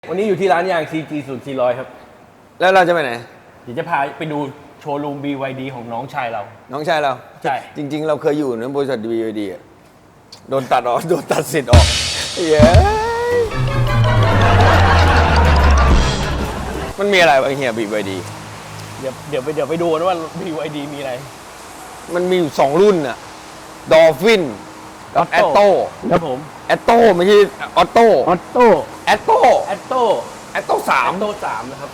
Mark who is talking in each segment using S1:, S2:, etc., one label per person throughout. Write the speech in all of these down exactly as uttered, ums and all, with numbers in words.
S1: วันนี้อยู่ที่ร้านยาง ซี จี ศูนย์ สี่ร้อย ครับ
S2: แล้วเราจะไปไหน
S1: เดี๋ยวจะพาไปดูโชว์รูม บี วาย ดี ของน้องชายเรา
S2: น้องชายเรา
S1: ใช่
S2: จริง ๆ เราเคยอยู่ในบริษัท บี วาย ดี อะโดนตัดออก โดนตัดสิทธิ์ออกเย้มันมีอะไรวะเฮีย บี วาย ดี
S1: เดี๋ยวเดี๋ยวไปเดี๋ยวไปดูกันว่า บี วาย ดี มีอะไร
S2: มันมีอยู่สองรุ่นอะดอลฟินกับแอตโต้
S1: ครับผม
S2: แอตโต้ไม่ใช่ออโต้
S1: ออโต้
S2: แอตโต้
S1: แอตโต้
S2: แอตโต้สาม
S1: แอตโต้สามนะครับ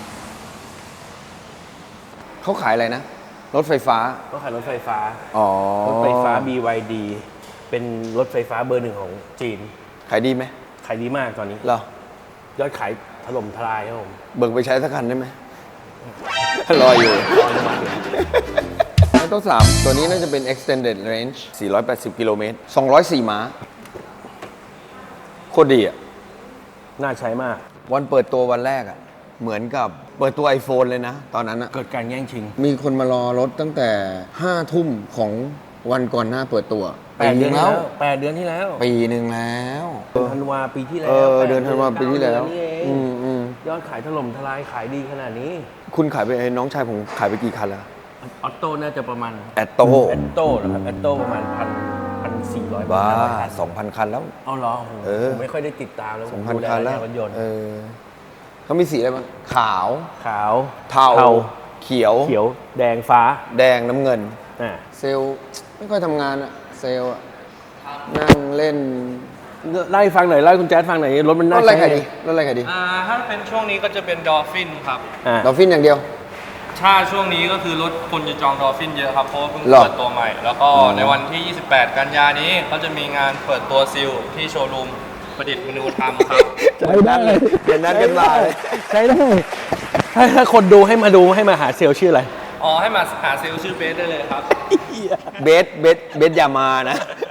S2: เขาขายอะไรนะ รถไฟฟ้า
S1: ก็ขายรถไฟฟ้า
S2: อ๋อ
S1: รถไฟฟ้า บี วาย ดี เป็นรถไฟฟ้าเบอร์หนึ่งของจีน
S2: ขายดีไหม
S1: ขายดีมากตอนนี้
S2: เหรอย
S1: อดขายถล่มทลายครับผม
S2: เบิกไปใช้สักคันได้ไหม รออยู่ แอตโต้สามตัวนี้น่าจะเป็น extended range สี่ร้อยแปดสิบกิโลเมตรสองร้อยสี่ม้าโคตรดีอ่ะ
S1: น่าใช้มาก
S2: วันเปิดตัววันแรกอ่ะ เหมือนกับเปิดตัว iPhone เลยนะ ตอนนั้นอ่ะ
S1: เกิดการแย่งชิง
S2: มีคนมารอรถตั้งแต่ห้าทุ่มของวันก่อนหน้าเปิดตัว
S1: แปดเดือนที่แล้วแปดเดือนที่แล้ว
S2: ปีหนึ่งแล้ว
S1: เดือนธันวาปีที่แล้ว
S2: เออเดือนธันวาปีที่แล้ว
S1: เก้าเดือนนี่เอง
S2: อืมอืม
S1: ยอดขายถล่มทลายขายดีขนาดนี้
S2: คุณขายไปน้องชายผมขายไปกี่คันแล้ว
S1: ออโต้น่าจะประมาณ
S2: แอตโต้
S1: แอตโต้นะครับแอตโต้ประมาณพันพันสี่ร้อย
S2: บ้าสองพันคันแล้ว
S1: เอาเหรอโอ้โห
S2: เออ
S1: ผมไม่ค่อยได้ติดตามแล้ว
S2: สองพัน
S1: ดูแล
S2: คันแล้ว
S1: รถยนต์
S2: เออเขามีสีอะไรบ้างขาว
S1: ขาว
S2: เทาเขียว
S1: เขียวแดงฟ้า
S2: แดงน้ำเงิน
S1: อ่า
S2: เซลล์ไม่ค่อยทำงานอะเซลล์อะนั่งเล่น
S1: ไล่ฟังหน่อยไล่คุณแจ๊ดฟังหน่อยรถมัน
S2: ร
S1: น่า
S2: ถอะไร
S1: ใช้
S2: ขายดีรถอะไรขายดี
S3: อ่าถ้าเป็นช่วงนี้ก็จะเป็นดอลฟินครับ
S1: อ่า
S2: ดอลฟินอย่างเดียว
S3: ถ้าช่วงนี้ก็คือรถคนจะจองดอลฟินเยอะครับเพราะว่าเพิ่ง
S2: หรอ
S3: เปิดตัวใหม่ แล้วก็
S2: อ๋อ
S3: ในวันที่ ยี่สิบแปด กันยานี้เขาจะมีงานเปิดตัวซิลที่โชว์รูมประดิษฐ์มนูธรรมครับ
S1: ใช้ได้เลย
S2: เดี๋ยวนัดกันมาเลย
S1: ใช้ได้ถ้าถ้าคนดูให้มาดูให้มาหาเซลล์ชื่ออะไร
S3: อ๋อ ให้มาหาซิลชื่อเบสได้เลยครับ
S2: เบสเบสเบสอย่ามานะ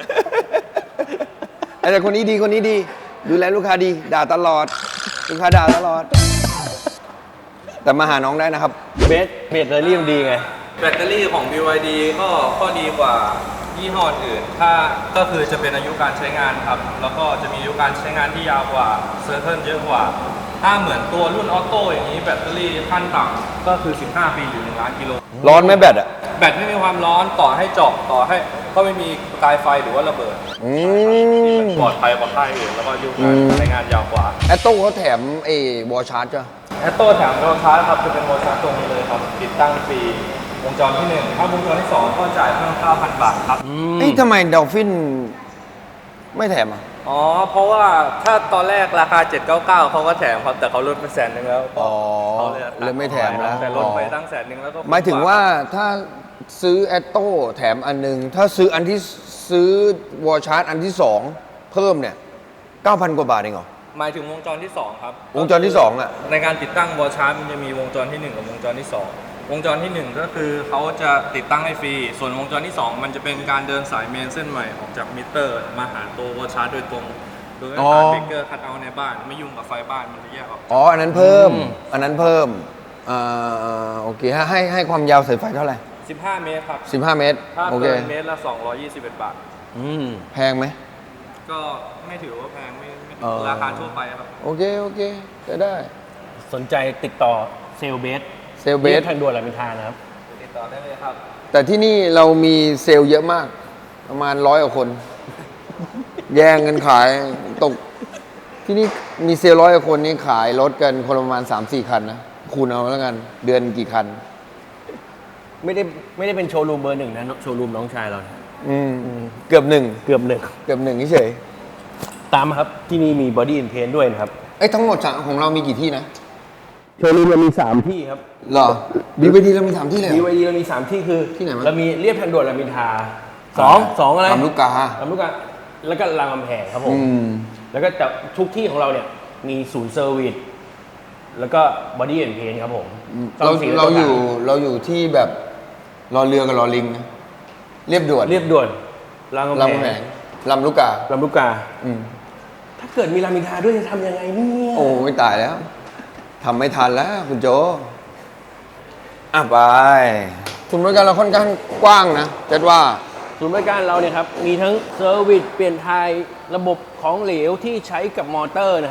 S2: แต่คนนี้ดีคนนี้ดี ดูแลลูกค้าดี ด่าตลอด ลูกค้าด่าตลอด แต่มาหาน้องได้นะครับ
S1: เบสเบสเรลี่มันดีไง
S3: แบตเตอรี่ของ บี วาย ดี ก็ข้อดีกว่ายี่ห้ออื่น ถ้าก็คือจะเป็นอายุการใช้งานครับ แล้วก็จะมีอายุการใช้งานที่ยาวกว่าเซอร์เทิลเยอะกว่า ถ้าเหมือนตัวรุ่นออโต้อย่างนี้แบตเตอรี่ขั้นต่ำก็คือ สิบห้า ปีหรือหนึ่งล้านกิโล
S2: ร้อนไหมแบตอ่ะ
S3: แบตไม่มีความร้อนต่อให้เจาะต่อให้ก็ไม่มีประกายไฟหรือว่าระเบิด
S2: อืม
S3: ปลอดภัยกว่าค่ายอื่นแล้วก็อายุการ
S2: อืม
S3: ใช้งานยาวกว่า
S2: แอตโต้เขาแถมไอ้วอลชาร์จจ้ะ
S3: แอตโต้แถมโดนชาร์จครับจะเป็นโมชั่นตรงนี้เลยครับติดตั้งฟรีวงจรที่หนึ่งถ้าวงจรที่สองก็จ่ายเพิ่ม เก้าพัน บาทครับ
S2: เอ้ยทำไมดอลฟินไม่แถมอ่ะ
S3: อ๋อ เพราะว่าถ้าตอนแรกราคา เจ็ดร้อยเก้าสิบเก้า เขาก็แถมครับ แต่เขาลดไปแสนหนึ่งแล้ว
S2: อ๋อ
S3: เขาเลยตัด
S2: เลยไม่แถมแล้ว
S3: แต่ลดไปตั้งแสนหนึ่งแล้วก็
S2: หมายถึงว่าถ้าซื้อแอตโต้แถมอันหนึง ถ้าซื้ออันที่ซื้อวอลชาร์จอันที่สองเพิ่มเนี่ย เก้าพัน กว่าบาทเองเหรอ
S3: หมายถึงวงจรที่สองครับ
S2: วงจรที่สองอะ
S3: ในการติดตั้งวอลชาร์จมันจะมีวงจรที่หนึ่งกับวงจรที่สองวงจรที่หนึ่งก็คือเขาจะติดตั้งให้ฟรี ส่วนวงจรที่สองมันจะเป็นการเดินสายเมนเส้นใหม่ออกจากมิเตอร์มาหาตัววอลชาร์จโดยตรง โดยไม่ผ่านเบรกเกอร์คัทเอาท์ในบ้าน ไม่ยุ่งกับไฟบ้านมันจะแยกออก
S2: อ๋อ อันนั้นเพิ่ม
S1: อืม
S2: อันนั้นเพิ่มอ่าโอเคให้ให้ให้ความยาวสายไฟเท่าไหร่
S3: สิบห้า เมตรครับ
S2: สิบห้า เมตร
S3: ถ้า
S2: โอเค
S3: เกินเมตรละสองร้อยยี่สิบเอ็ดบาท
S1: อืม
S2: แพงไหม
S3: ก็ไม่ถือว่าแพงไม่ไม่
S2: เออ
S3: ราคาทั่วไปครับ
S2: โอเค โอเค จะได้
S1: สนใจติดต่อเซลล์เบส
S2: เซลล์เบส
S1: รียบทางด่วนรามอินทรานะครับ
S3: ติดต่อได้เลยครับ
S2: แต่ที่นี่เรามีเซลล์เยอะมาก ประมาณร้อยกว่าคน แย่งกันขายตก ที่นี่มีเซลล์ร้อยกว่าคนนี่ขายรถกันคนละประมาณ สามสี่ คันนะ คูณเอาแล้วกัน เดือนกี่คัน
S1: ไม่ได้ไม่ได้เป็นโชว์รูมเบอร์หนึ่งนะโชว์รูมน้องชายเราเนี่ย
S2: อืมเกือบหนึ่ง
S1: เกือบหนึ่ง
S2: เกือบหนึ่งเฉย
S1: ตามมาครับ ที่นี่มีบอดี้อินเทนด้วยนะครับ
S2: ไอ้ยทั้งหมดของเรามีกี่ที่นะ
S1: โชว์รูมเรามีสามที่ครับ
S2: เหรอบีบีดีเรามีสามที่เลยเหร
S1: บี
S2: อ
S1: วายดีเรามีสามที่คือ
S2: ที่ไหนวะ
S1: เรามีเรียบทางด่วนรามอินทราสองสองอะไร
S2: ลำลูกกา
S1: ลำลูกกาแล้วก็รามคำแหงครับผม
S2: อืม
S1: แล้วก็แต่ทุกที่ของเราเนี่ยมีศูนย์เซอร์วิสแล้วก็บอดี้อินเทนครับผม
S2: เรา
S1: ซ่มสี
S2: เราอยู่
S1: ต่ง
S2: เราอยู่ที่แบบรอเรือกับรอลิงนะเรียบด่วน
S1: ๆเรียบด่วนรามคำ
S2: ลำแห
S1: แห
S2: ง
S1: ง
S2: ลำลูกกา
S1: ลำลูกกา
S2: อืม
S1: ถ้าเกิดมีรามอินทราด้วยจะทำยังไงเนี่ย
S2: โอ้ไม่ตายแล้วทำไม่ทันแล้วคุณโจอ่ะไปชุมนุมกันเราค่อนข้างกว้างนะจัดว่า
S1: ศูนย์บริการเราเนี่ยครับมีทั้งเซอร์วิสเปลี่ยนไทยระบบของเหลวที่ใช้กับมอเตอร์นะครับ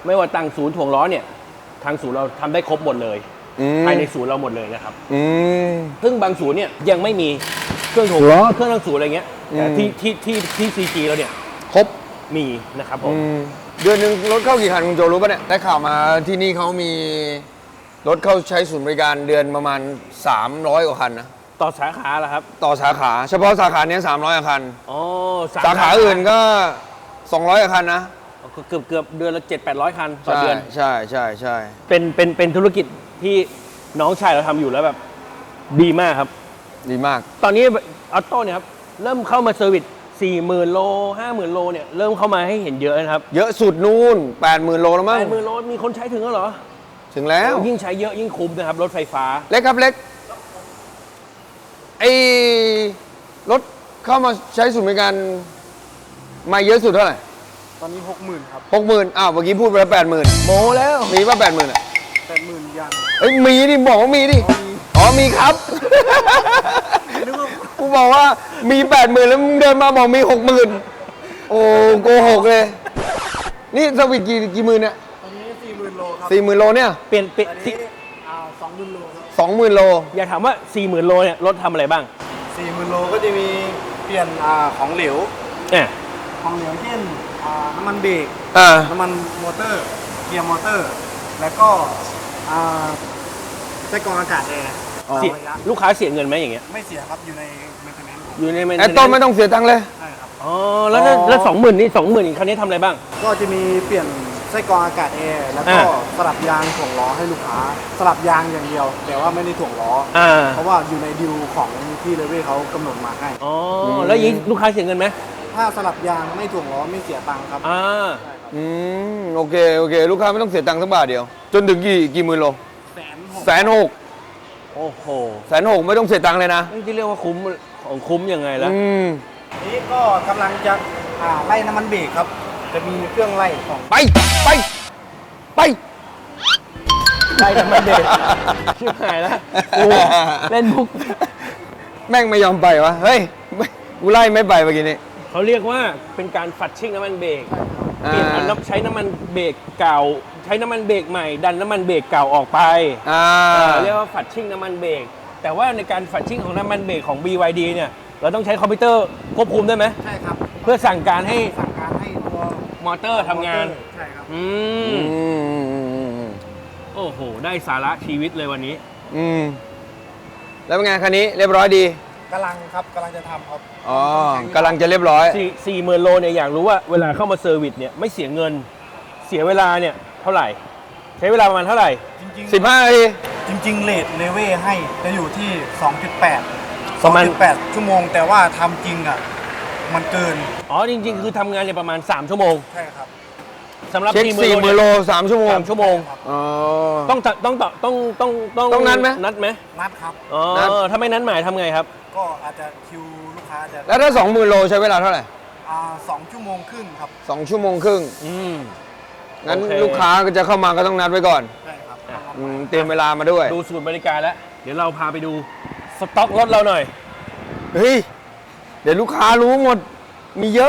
S1: ไม่ว่าตั้งศูนย์ถ่วงล้อเนี่ยทางศูนย์เราทำได้ครบหมดเลย
S2: อืม
S1: ภายในศูนย์เราหมดเลยนะครับ
S2: อืม
S1: ซึ่งบางศูนย์เนี่ยยังไม่มีเครื่องถ่วงล้อเครื่องตั้งศูนย์อะไรเงี้ยแต่
S2: อืม
S1: ที่ที่ที่ที่ซีจีเราเนี่ย
S2: ครบ
S1: มีนะครับผม
S2: อืมเดือนหนึ่งรถเข้ากี่คันคุณโจรู้ปะเนี่ยได้ข่าวมาที่นี่เขามีรถเข้าใช้ศูนย์บริการเดือนประมาณสามร้อยกว่าคันนะ
S1: ต่อสาขาเหรอครับ
S2: ต่อสาขา เฉพาะสาขาเนี้สามร้อยคัน
S1: อ๋อ
S2: สาขาอื่นก็สองร้อยคันนะ
S1: เกือบเกือบเดือนละเจ็ดแปดร้อยคันต่อ
S2: ใช่
S1: เดือน
S2: ใช่ใช่ใช่
S1: เป็นเป็นเป็นธุรกิจที่น้องชายเราทำอยู่แล้วแบบดีมากครับ
S2: ดีมาก
S1: ตอนนี้ออโต้เนี่ยครับเริ่มเข้ามาเซอร์วิสสี่หมื่นโลห้าหมื่นโลเนี่ยเริ่มเข้ามาให้เห็นเยอะนะครับ
S2: เยอะสุดนู่นแปดหมื่นโลแล้วมั้ง
S1: แปดหมื่นโลมีคนใช้ถึงแล้วเหรอ
S2: ถึงแล้ว
S1: ยิ่งใช้เยอะยิ่งคุ้มนะครับรถไฟฟ้า
S2: เล็กครับเล็กไอ้รถเข้ามาใช้ศูนย์บริการมาเยอะสุดเท่าไหร่
S4: ตอนนี้หกหมื่นครับ
S2: หกหมื่นอ้าวเมื่อกี้พูดไปแล้วแปดหมื่น
S1: โมแล้ว
S2: มีป่ะแปดหมื่นอ่ะ
S4: แปดหมื่นยัง
S2: เอ้ยมีดิบอกว่ามีดิ อ๋อมีครับ
S4: นึกว่า
S2: กูบอกว่ามีแปดหมื่นแล้วมึงเดินมาบอกมีหกหมื่นโอ้โกหกเลย นี่สวิตกี่กี่หมื่นเนี่ย
S4: ตอนนี้สี่หมื่นโลครับ
S2: สี่หมื่นโลเนี่ย
S1: เปลี่ยนเปลี่ยน
S4: ตอน
S1: สิ
S4: นี้อ่าสองหมื่นโลครับ
S2: สองหมื่นโล
S1: อยากถามว่าสี่หมื่นโลเนี่ยรถทำอะไรบ้าง
S4: สี่หมื่นโลก็จะมีเปลี่ยนอ่าของเหลว
S1: เนี่ย
S4: ของเหลวเช่นอ่าน้ำมันเบรก
S2: อ่า
S4: น้ำมันมอเตอร์ เกียร์มอเตอร์ แล้วก็อ่าไส้กรองอากาศแอร์
S2: อ๋อ
S1: เสีย
S4: ระยะ
S1: ลูกค้าเสียเงินไหมอย่างเงี้ย
S4: ไม่เสียครับอยู่ในเมนเทนแนนซ์
S1: อยู่ใน
S2: ไอ้ต้นไม่ต้องเสียตังค์เลย
S4: ใช่ครับ
S1: อ๋อแล้วถ้า
S2: อ๋อ
S1: แล้วสองหมื่นนี่สองหมื่นคันนี้ทำอะไรบ้าง
S4: ก็จะมีเปลี่ยนไส้กรองอากาศแอร์แล้วก็
S1: อ่า
S4: สลับยางถ่วงล้อให้ลูกค้า สลับยางอย่างเดียว แต่ว่าไม่ได้ถ่วงล้อ
S1: อ่า
S4: เพราะว่าอยู่ในดิวของที่เลเวเขากำหนดมาให้
S1: อ๋อแล้วอยางนี้ลูกค้าเสียเงินไหม
S4: ถ้าสลับยางไม่ถ่วงล้อไม่เสียตังค์ครับ
S1: อ่า
S4: ใช่ครับ
S2: อืมโอเคโอเค ลูกค้าไม่ต้องเสียตังค์สักบาทเดียว จนถึงกี่กี่หมื่นโล
S4: แสนหก
S2: แสนหก
S1: โอ้โห
S2: แสนหกไม่ต้องเสียตังค์เลยนะ
S1: นี่ที่เรียกว่าคุ้มของคุ้มยังไงล่ะ
S2: อืม
S4: นี้ก็กำลังจะอ่าไล่น้ำมันเบรกครับ จะมีเครื่องไล่ของ
S2: ไปไปไป
S1: ได้ทำไมเด็กชิบหายแล้วกูเล่นมุก
S2: แม่งไม่ยอมไปวะ เฮ้ยไม่กูไล่ไม่ไปเมื่อกี้นี้
S1: เขาเรียกว่าเป็นการฝัดชิ่งน้ำมันเบรกเปลี่ยน
S2: อ่า
S1: น้ำใช้น้ำมันเบรกเก่า ใช้น้ำมันเบรกใหม่ ดันน้ำมันเบรกเก่าออกไป
S2: อ่า
S1: เออเรียกว่าฝัดชิ่งน้ำมันเบรกแต่ว่าในการฝัดชิ่งของน้ำมันเบรกของ บี วาย ดี เนี่ยเราต้องใช้คอมพิวเตอร์ควบคุมได้ไหม
S4: ใช่ครับ
S1: เพื่อสั่งการให้
S4: สั่งการให้ตัว
S1: มอเตอร์ทำงาน
S4: ใช่ครับ
S1: อื
S2: อื
S1: ม
S2: มอืมอืมอืม
S1: โอ้โห ได้สาระชีวิตเลยวันนี้
S2: อืมแล้วเป็นไงคันนี้เรียบร้อยดี
S4: กำลังครับกำลังจะทำครับ
S2: อ๋อกำลังจะเรียบร้อย
S1: สี่สี่หมื่นโลเนี่ยอยากรู้ว่าเวลาเข้ามาเซอร์วิสเนี่ยไม่เสียเงิน เสียเวลาเนี่ยเท่าไหร่ ใช้เวลาประมาณเท่าไหร่
S4: จริง
S2: สิบห้านาที
S4: ๆจริงๆเลทเลเวให้จะอยู่ที่ สองจุดแปด
S1: ประมาณ
S4: สองจุดแปด ชั่วโมง แต่ว่าทำจริงอ่ะมันเกิน
S1: อ๋อจริง ๆ คือทำงานเนี่ยประมาณ 3 ชั่วโมง
S4: ใช่ครับ
S1: สำหรับ
S2: เช็ค
S1: สี่
S2: สี่
S1: ห
S2: ห
S1: มื่
S2: มื่
S1: น
S2: น
S1: โล
S2: โลสามชั่วโมง
S1: สามชั่วโมง
S2: อ๋อ
S1: ต้องต้องต้องต้องต้องต้อง
S2: ต้องนัดไหม
S1: นัดไหม
S4: นัดครับ
S1: อ๋อ
S2: นัด
S1: ถ้าไม่นัดหมายทำไงครับ
S4: ก็อาจจะคิวลูกค้าจะ
S2: แล้วถ้าสองหมื่นโลใช้เวลาเท่าไหร่
S4: อ่าสองชั่วโมงครึ่งครับ
S2: สองชั่วโมงครึ่ง
S1: อืม
S2: งั้น
S1: โอเค
S2: ลูกค้าก็จะเข้ามาก็ต้องนัดไว้ก่อน
S4: ใช่ครับ
S1: อ่ะ
S2: อืมเตรียมเวลามาด้วย
S1: ดูสูตรบริการแล้ว เดี๋ยวเราพาไปดูสต็อกรถเราหน่อย
S2: เฮ้ย เดี๋ยวลูกค้ารู้หมด มีเยอะ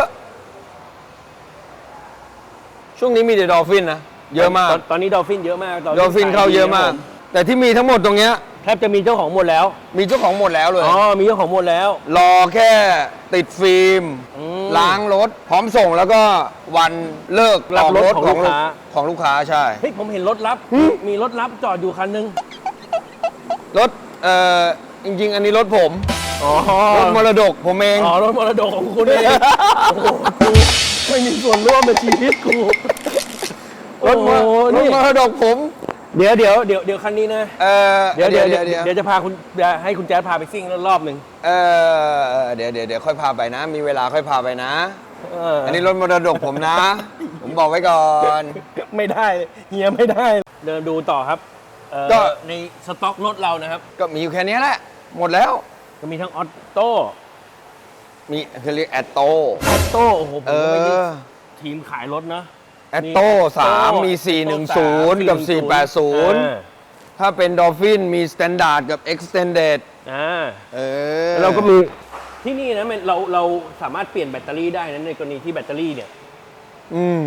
S2: ช่วงนี้มีแต่ดอลฟินนะ เยอะมาก
S1: ตนตอนนี้ดอลฟินเยอะมาก
S2: ดอลฟินเข้าเยอะมาก แต่ที่มีทั้งหมดตรงเนี้ย
S1: แทบจะมีเจ้าของหมดแล้ว
S2: มีเจ้าของหมดแล้วเลย
S1: อ๋อ มีเจ้าของหมดแล้ว
S2: รอแค่ติดฟิล์ม
S1: อืม
S2: ล้างรถ พร้อมส่งแล้วก็วันเลิก
S1: รับรถ
S2: ก
S1: ของลูกค้า
S2: ของลูกค้าใช่
S1: เฮ้ย ผมเห็นรถลับ
S2: หึ
S1: มีรถลับจอดอยู่คันนึง
S2: รถ เอ่อ จริง ๆ อันนี้รถผม
S1: อ๋อ
S2: รถมรดกผมเอง
S1: อ๋อ รถมรดกของคุณเอง โอ้โหกูไม่มีส่วนร่วมในชีวิตกู
S2: รถม
S1: โอ้โห
S2: รถ
S1: นี่
S2: มรดกผม
S1: เดี๋ยวเดี๋ยวเดี๋ยวเดี๋ยวคันนี้นะ
S2: เออ
S1: เดี๋ยวเดี๋ยวเดี๋ยว
S2: เดี๋ยว
S1: เดี๋ยวจะพาคุณจะให้คุณแจ๊ดพาไปซิ่งรอบหนึ่ง
S2: เออเดี๋ยวเดี๋ยวเดี๋ยวค่อยพาไปนะ มีเวลาค่อยพาไปนะ
S1: เออ
S2: อันนี้รถมรดกผมนะ ผมบอกไว้ก่อน
S1: ไม่ได้เฮียไม่ได้ เดินดูต่อครับเอ่อ
S2: ก็
S1: ในสต็อกรถเรานะครับ
S2: ก็มีอยู่แค่นี้แหละ หมดแล้ว
S1: ก็มีทั้งออโต้
S2: มีคือเรียกแอตโต
S1: ออโต้โอ้โหผม
S2: เอ
S1: ก็ไม่ได้
S2: อ
S1: ทีมขายรถนะ
S2: แอตโต้สามมี
S1: Atto
S2: สี่หนึ่งศูนย์กับสี่แปดศูนย์
S1: อ่า
S2: ถ้าเป็นดอลฟินมี Standard กับ Extended
S1: อ่า
S2: เออ
S1: เราก็มีที่นี่นะมันเราเราสามารถเปลี่ยนแบตเตอรี่ได้นะในกรณีที่แบตเตอรี่เนี่ย
S2: อืม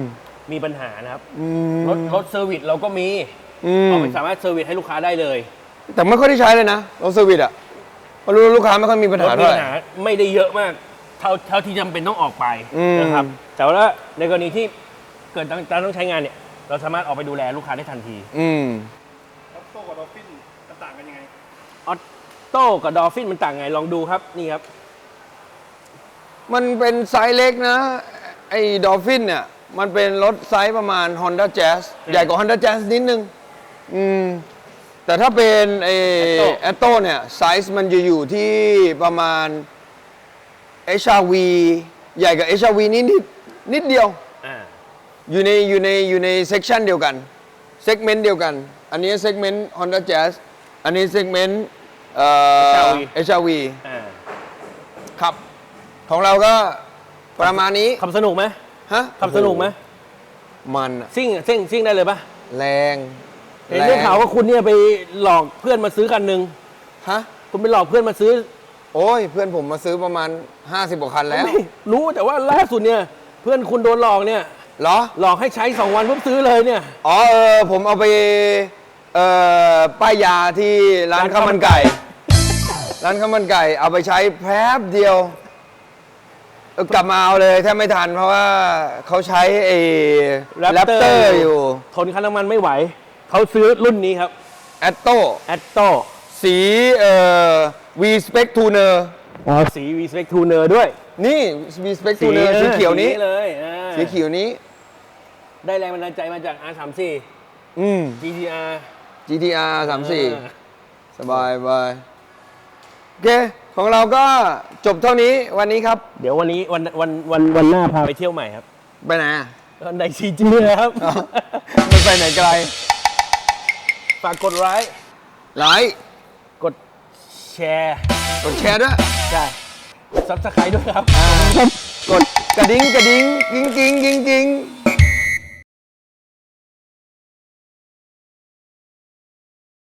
S1: มีปัญหานะครับ
S2: อืม
S1: รถรถเซอร์วิสเราก็มี
S2: อืม
S1: เราสามารถเซอร์วิสให้ลูกค้าได้เลย
S2: แต่ไม่ค่อยได้ใช้เลยนะรถเซอร์วิสอ่ะเพราะรู้ลูกค้าไม่ค่อยมีปัญ
S1: ร
S2: หา
S1: ถมี
S2: เท่าไห
S1: ปั
S2: ร่
S1: ญหาไม่ได้เยอะมาก เท่าเท่าที่จำเป็นต้องออกไป
S2: อืม
S1: นะครับ แต่ว่าในกรณีที่เกิดต้องต้องใช้งานเนี่ย เราสามารถออกไปดูแลลูกค้าได้ทันที
S2: อืม
S4: ออโต้กับดอลฟินต่างกันยังไง
S1: ออโต้กับดอลฟินมันต่างไงลองดูครับนี่ครับ
S2: มันเป็นไซส์เล็กนะ ไอ้ดอลฟินเนี่ย มันเป็นรถไซส์ประมาณ Honda Jazz
S1: อืม
S2: ใหญ่กว่า Honda Jazz นิดนึง อืม แต่ถ้าเป็นไอ้
S1: Atto
S2: แอตโต้เนี่ย ไซส์มันจะอยู่ที่ประมาณ เอช อาร์ วี ใหญ่กว่า เอช อาร์ วี นิดนิดนิดเดียว
S1: อ่า
S2: อยู่ในอยู่ในอยู่ในเซกชันเดียวกัน เซกเมนต์เดียวกัน อันนี้เซกเมนต์ Honda Jazz อันนี้เซกเมนต์เอ่อ
S1: เอช อาร์ วี
S2: เอช อาร์ วี
S1: อ่า
S2: ครับ ของเราก็ประมาณนี้
S1: ขับสนุกไหม
S2: ฮะ
S1: ขับสนุกไหม
S2: มันอะ
S1: ซิ่งซิ่งซิ่งได้เลยปะ
S2: แรง
S1: เห็นได้ข่าวว่าคุณเนี่ยไปหลอกเพื่อนมาซื้อคันหนึ่ง
S2: ฮะ
S1: คุณไปหลอกเพื่อนมาซื้อ
S2: โอ้ย เพื่อนผมมาซื้อประมาณ ห้าสิบกว่าคันแล้ว
S1: ไม่รู้แต่ว่าล่าสุดเนี่ย เพื่อนคุณโดนหลอกเนี่ย
S2: เหรอ
S1: หลอกให้ใช้สองวันปุ๊บซื้อเลยเนี่ย
S2: อ๋อเออผมเอาไปเอ่อป้ายยาที่ร้าน
S1: ร้าน
S2: ข้า
S1: ข้าว วมั
S2: มัน
S1: นไก่
S2: ไก่ ร้านข้าวมันไก่ เอาไปใช้แป๊บเดียวเออกลับมาเอาเลยแทบไม่ทันเพราะว่าเขาใช้ไอ้แรปเตอร์อยู่
S1: ทนค่าน้ำมันไม่ไหว เขาซื้อรุ่นนี้ครับ
S2: แอตโต้
S1: แอตโต้
S2: สีเอ่อ V Spec Tuner
S1: อ๋อสี V Spec Tuner ด้วย
S2: นี่ V Spec Tuner สีเขียวนี้
S1: เลยอ่า
S2: สีเขียวนี้
S1: ได้แรงบันดาลใจมาจาก อาร์ สามสิบสี่
S2: อืม
S1: จี ที อาร์
S2: จี ที อาร์ สามสี่
S1: อ่า
S2: สบายบายโอเค ของเราก็จบเท่านี้วันนี้ครับ
S1: เดี๋ยววันนี้วันวันวันวันหน้าพาไปเที่ยวใหม่ครับ
S2: ไปไหนอะ
S1: ในซีจีนะครับ
S2: อ๋อ ไม่ไปไหนไกล
S1: ฝากกดไลค์
S2: ไลค์
S1: กดแชร์
S2: กดแชร์ด้วย
S1: ใช่ซับสไครต์ด้วยครับ
S2: กดกระดิ่งกระดิ่งกิ้งกิ้งกิ้งกิ้ง